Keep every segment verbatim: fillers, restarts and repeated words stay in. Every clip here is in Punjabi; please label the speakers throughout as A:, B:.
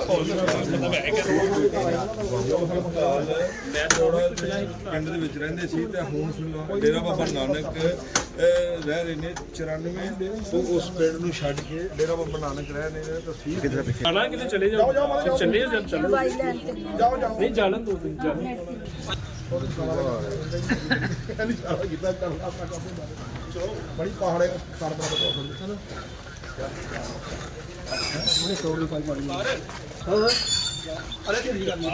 A: ਪਿੰਡ ਦੇ ਵਿੱਚ ਰਹਿੰਦੇ ਸੀ ਤੇ ਹੁਣ ਡੇਰਾ ਬਾਬਾ ਨਾਨਕ ਰਹਿ ਰਹੇ ਨੇ ਚੁਰਾਨਵੇਂ ਤੋਂ ਉਸ ਪਿੰਡ ਨੂੰ ਛੱਡ ਕੇ ਡੇਰਾ ਬਾਬਾ ਨਾਨਕ ਰਹਿ ਰਹੇ ਨੇ ਤਾਂ ਠੀਕ ਕਿਤੇ ਪਿੱਛੇ
B: ਆਣਾ ਕਿਤੇ ਚਲੇ ਜਾਓ ਚੱਲੇ ਜਾਂ ਚੱਲੋ
A: ਜਾਓ ਜਾਓ
B: ਨਹੀਂ ਜਾਣ ਦੋ ਦਿਨ ਚੱਲ
A: ਬੜੀ ਪਹਾੜੇ ਕਰ ਬਣਾ ਬਤਾ ਹੁੰਦਾ ਨਾ ਉਹਨੇ ਸੌ ਰੁਪਏ ਪਾਈ ਹਾਂ ਹਾਂ ਅਰੇ ਕੀ ਕਰਨੀ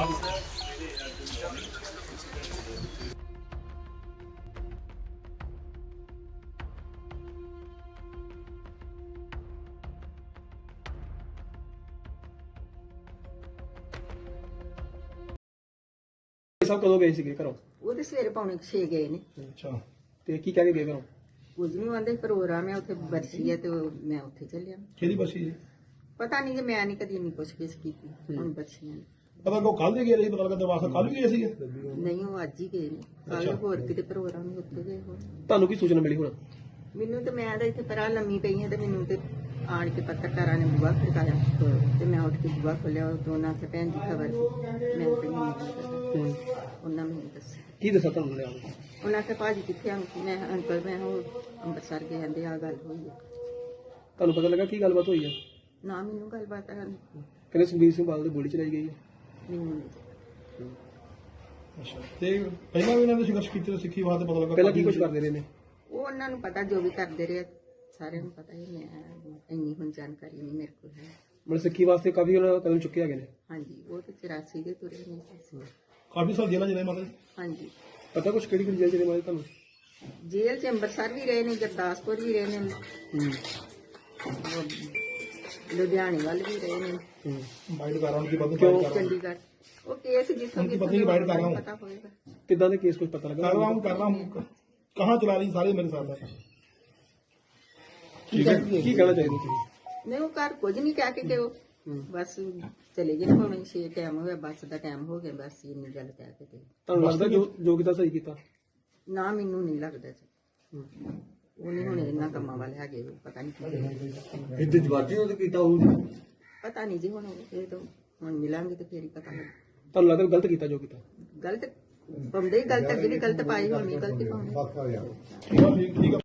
B: ਸਭ ਕਦੋਂ ਗਏ ਸੀਗੇ ਘਰੋਂ?
C: ਉਹ ਤੇ ਸਵੇਰੇ ਪੌਣੇ ਛੇ ਗਏ ਨੇ।
B: ਅੱਛਾ ਤੇ ਕੀ ਕਹਿ ਕੇ ਗਏ ਘਰੋਂ?
C: ਕੁਝ ਨਹੀਂ ਆਂਦੇ ਪ੍ਰੋਗਰਾਮ ਹੈ ਉੱਥੇ ਬਰਸੀ ਹੈ ਤੇ ਮੈਂ ਉੱਥੇ ਚੱਲਿਆ।
B: ਕਿਹਦੀ ਬਸੀ ਜੀ?
C: ਪਤਾ ਨਹੀਂ ਕਿ ਮੈਂ ਨਹੀਂ ਕਦੀ ਨਹੀਂ ਪੁੱਛ ਗਿੱਛ ਕੀਤੀ ਹੁਣ ਬਰਸੀਆਂ ਨੇ।
B: ਪਤਾ ਕੋ ਕੱਲ ਦੇ ਗਏ ਰਹੀ ਪਤਾ ਲੱਗਾ ਦਰਵਾਜ਼ਾ ਕੱਲ ਵੀ ਗਏ ਸੀਗੇ?
C: ਨਹੀਂ ਉਹ ਅੱਜ ਹੀ ਗਏ ਨੇ। ਕੱਲ ਹੋਰ ਕਿਤੇ ਪ੍ਰੋਗਰਾਮ ਨਹੀਂ ਉੱਥੇ ਗਏ ਹੋਰ।
B: ਤੁਹਾਨੂੰ ਕੀ ਸੂਚਨਾ ਮਿਲੀ ਹੁਣ?
C: ਮੈਨੂੰ ਤੇ ਮੈਂ ਤਾਂ ਇੱਥੇ ਪਰਾਂ ਲੰਮੀ ਪਈ ਹਾਂ ਤੇ ਮੈਨੂੰ ਤੇ ਆਣ ਕੇ ਪੱਤਰਕਾਰਾਂ ਨੇ ਬੁਆ ਖੜਕਾਇਆ ਤੇ ਮੈਂ ਉੱਠ ਕੇ ਬੁਆ ਖੋਲਿਆ। ਉਹ ਦੋਨਾਂ ਤੇ ਭੈਣ ਦੀ ਖਬਰ ਮੈਂ ਤੇ ਨਹੀਂ ਉਹਨਾਂ ਮੈਨੂੰ ਦੱਸਿਆ।
B: ਕੀ ਦੱਸਾਂ ਤੁਹਾਨੂੰ ਲਿਆ?
C: ਉਹਨਾਂ ਕੇ ਭਾਜੀ ਕਿੱਥੇ ਆਂ? ਮੈਂ ਅੰਕਲ ਮੈਂ ਉਹ ਅੰਮ੍ਰਿਤਸਰ ਗਏ ਆਂਦੇ ਆ ਗੱਲ ਹੋਈ ਹੈ।
B: ਤੁਹਾਨੂੰ ਪਤਾ ਲੱਗਾ ਕੀ ਗੱਲਬਾਤ ਹੋਈ ਹੈ?
C: ਨਾ ਮੈਨੂੰ ਗੱਲਬਾਤ ਹੈ
B: ਕਹਿੰਦੇ ਸੁਖਬੀਰ ਸਿੰਘ ਬਾਦਲ ਦੀ ਗੋਲੀ ਚਲਾਈ ਗਈ ਹੈ।
C: ਮੈਨੂੰ ਨਹੀਂ।
B: ਅੱਛਾ ਤੇ ਪਹਿਲਾਂ ਵੀ ਇਹਨਾਂ ਨੇ ਸੰਘਰਸ਼ ਕੀਤੇ ਸਿੱਖੀ ਬਾਤ ਪਤਾ ਲੱਗਾ ਪਹਿਲਾਂ ਕੀ ਕੁਝ ਕਰਦੇ ਰਹੇ ਨੇ?
C: ਉਹ ਉਹਨਾਂ ਨੂੰ ਪਤਾ ਜੋ ਵੀ ਕਰਦੇ ਰਹੇ ਸਾਰਿਆਂ ਨੂੰ ਪਤਾ ਹੀ। ਮੈਂ ਇੰਨੀ ਹੁਣ ਜਾਣਕਾਰੀ ਨਹੀਂ ਮੇਰੇ ਕੋਲ ਹੈ।
B: ਮਤਲਬ ਸਿੱਖੀ ਵਾਸਤੇ ਕਾਫੀ ਉਹਨਾਂ ਕਦਮ ਚੁੱਕੇ ਹੈਗੇ ਨੇ।
C: ਹਾਂਜੀ ਉਹ ਤੇ ਚੁਰਾਸੀ ਦੇ ਤੁਰੇ ਨੇ।
B: ਕਾਫੀ ਸਾਲ ਜੇਲ੍ਹਾਂ ਜਿਹੜੇ ਮਤਲਬ
C: ਹਾਂਜੀ
B: ਪਤਾ ਕੁਝ ਕਿਹੜੀ ਕਿਹੜੀ ਜੇਲ੍ਹ ਜਿਹੜੇ ਮਾਰੇ ਤੁਹਾਨੂੰ?
C: ਜੇਲ੍ਹ ਚ ਅੰਮ੍ਰਿਤਸਰ ਵੀ ਰਹੇ ਨੇ, ਗੁਰਦਾਸਪੁਰ ਵੀ ਰਹੇ ਨੇ, ਲੁਧਿਆਣੇ ਵੱਲ ਵੀ ਰਹੇ ਨੇ,
B: ਬਾਈਟ ਕਰ ਰਹਾ ਹਾਂ ਕਿ ਬਦਲ
C: ਕਿਉਂ ਚੰਡੀਗੜ੍ਹ। ਉਹ ਕੇਸ ਜਿੱਥੋਂ
B: उनकी पत्नी की बाइट कर रहा हूँ।
C: ਪਤਾ ਹੋਏਗਾ
B: कितना ਦੇ केस कुछ पता लगा?
D: कर रहा हूँ कर रहा हूँ कहाँ चला रही सारे मेरे साथ है।
B: ठीक है की कहना चाहिए ਤੁਸੀਂ?
C: ਨਹੀਂ ਉਹ ਘਰ ਕੁਝ ਨਹੀਂ ਕਹਿ ਕੇ ਕਿ ਉਹ ਬਸ ਚਲੇ ਗਏ ਭਾਵੇਂ ਛੇ ਟਾਈਮ ਹੋਇਆ ਬੱਸ ਦਾ ਟਾਈਮ ਹੋ ਗਿਆ ਬਸ ਇੰਨੀ ਗੱਲ ਕਹਿ ਕੇ ਤੇ
B: ਤੁਹਾਨੂੰ ਲੱਗਦਾ ਜੋ ਜੋ ਕੀਤਾ ਸਹੀ ਕੀਤਾ?
C: ਨਾ ਮੈਨੂੰ ਨਹੀਂ ਲੱਗਦਾ ਜੀ ਉਹ ਨਹੀਂ ਹੁਣ ਇੰਨਾ ਕੰਮਾਂ ਵਾਲੇ ਹੈਗੇ ਪਤਾ ਨਹੀਂ ਕੀ
A: ਇੱਥੇ ਜਵਾਜੀ ਉਹਦੇ ਕੀਤਾ ਹੋਊ
C: ਪਤਾ ਨਹੀਂ ਜੀ ਹੁਣ ਇਹ ਤਾਂ ਹੁਣ ਮਿਲਾਂਗੇ ਤੇ ਫੇਰ ਹੀ ਪਤਾ ਲੱਗ।
B: ਤੁਹਾਨੂੰ ਲੱਗਦਾ ਗਲਤ ਕੀਤਾ ਜੋ ਕੀਤਾ?
C: ਗਲਤ ਬੰਦੇ ਗਲਤ ਅੱਗੇ ਵੀ ਗਲਤ ਪਾਈ ਹੋਣੀ ਗਲਤੀ ਪਾਉਣੀ।
D: ठीक है